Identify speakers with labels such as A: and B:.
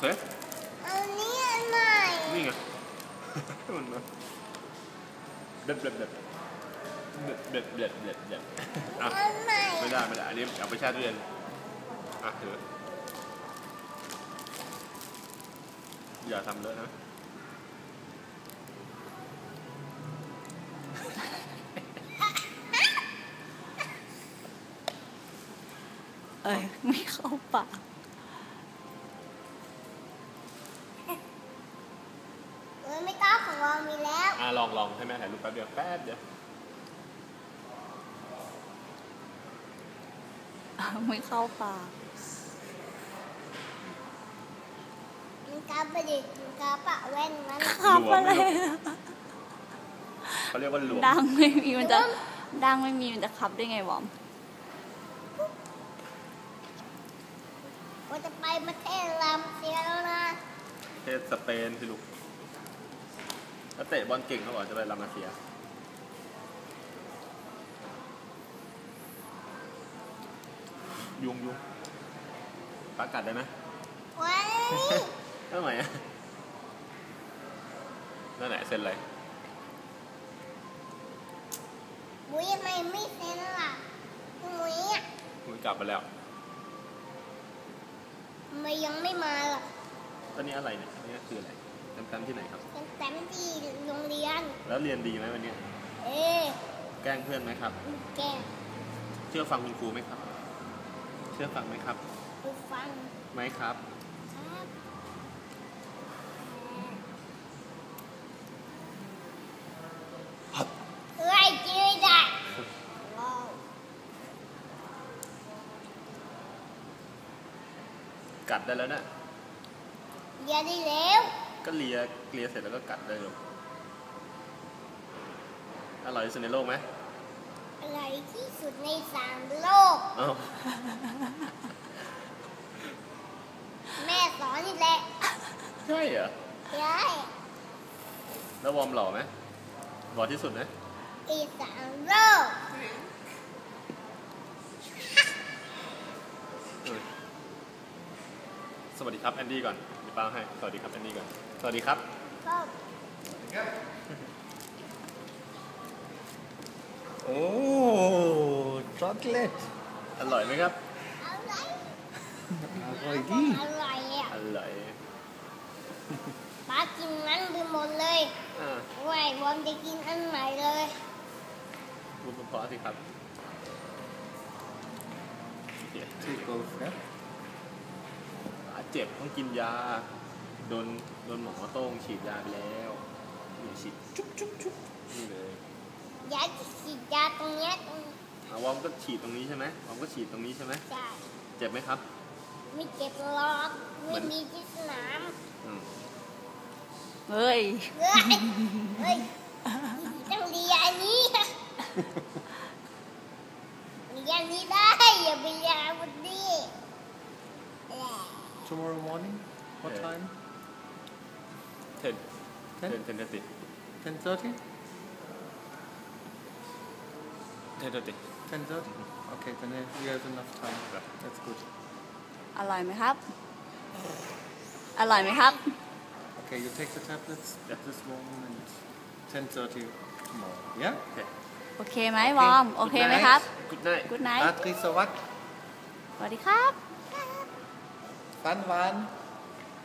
A: อันนี้อันใหม่
B: นี่ไงมันมาเด็ดอ่ะไม่ได้อันนี้เอาไปแช่ตู้เย็นอ่ะถืออย่าทำเลอะนะ
C: ไม่เข้าปาก
A: ไม่ต้องของเรามีแล้ว
B: ลองให้แม่ถ่ายรูปแป๊บเดียว
C: ไม่เข้าปาก
A: มันกาบดิมันกาปะแว่นมัน
C: ขับอะไร
B: เขาเรียกว่าหลวม
C: ดังไม่มีมันจะขับได้ไงวอม
A: ว่าจะไปประเทศลาเซียแล้วนะ
B: ประเทศสเปนสิลูกแล้วเตะบอลเก่งเขาบอกจะไปลามาเซียยุงปลากัดได้ไหม
A: ว้าย
B: ทำไมอ่ะนั่นไหนเซ็นอะไร
A: มุ้ยทำไมไม่เซ็นล่ะมุ้ยอ่ะ
B: มุ้ยกลับไปแล้ว
A: ทำไมยังไม่มาล่ะ
B: ตอนนี้อะไรเนี่ยนี่คืออะไรแต้มที่ไหนครับ
A: แต้มที่โรงเรียน
B: แล้วเรียนดีไหมวันนี้แกล้งเพื่อนไหมครับ
A: แกล้ง
B: เชื่อฟังคุณครูไหมครับเชื่อฟังไหมครับ
A: ฟัง
B: ไหมครับ
A: ไล่จืดได้
B: กัดได้แล้วนะ
A: เลียได้แล้ว
B: ก็เลียเสร็จแล้วก็กัดได้เลยอร่อยที่สุดในโลกไหม
A: อร่อยที่สุดใน3 โลกแม่สอนนี่แหละ
B: ใช่เหรอ
A: ใช่
B: แล้ววอร์มหล่อไหมหล่อที่สุดไหม
A: อี3 โลก
B: สวัสดีครับแอนดี้ก่อนเดี๋ยวป้าให้สวัสดีครับแอนดี้ก่อนสวัสดีครับ
D: โอ้ช็อกโกแลต
B: อร่อยไหมครับ
D: อร่อยดี
A: อร่อยอ่ะ
B: อร่อย
A: ป้ากินนั้นไปหมดเลยไว้วอมจะกินอันใหม่เลย
B: พูดเพราะสิครับเจ็บต้องกินยาโดนหมอโต้งฉีดยาไปแล้วฉีดจุ๊บนี่เลย
A: ยาฉีดยาตรงนี้
B: วอมก็ฉีดตรงนี้ใช่ไหมวอมก็ฉีดตรงนี้ใช่ไหม
A: ใช่
B: เจ็บไหมครับ
A: ไม่เจ็บหรอกไม่มีที่สนาม
C: เฮ้ย
A: ต้องเรียนอันนี้เรียนนี้ได้อย่าไปเรียนวันนี้
D: Tomorrow morning what time
B: 10:30
D: okay then we have enough time that's good
C: อร่อยไหมครับอร่อยไหมครับ
D: okay you take the tablets at this moment 10:30 tomorrow yeah
C: โอเคไหมวอร์มโอเคไหมครับ
B: Good night
D: ราตรีสวัสดิ์
C: สวัสดีครับ
D: ฝันหวาน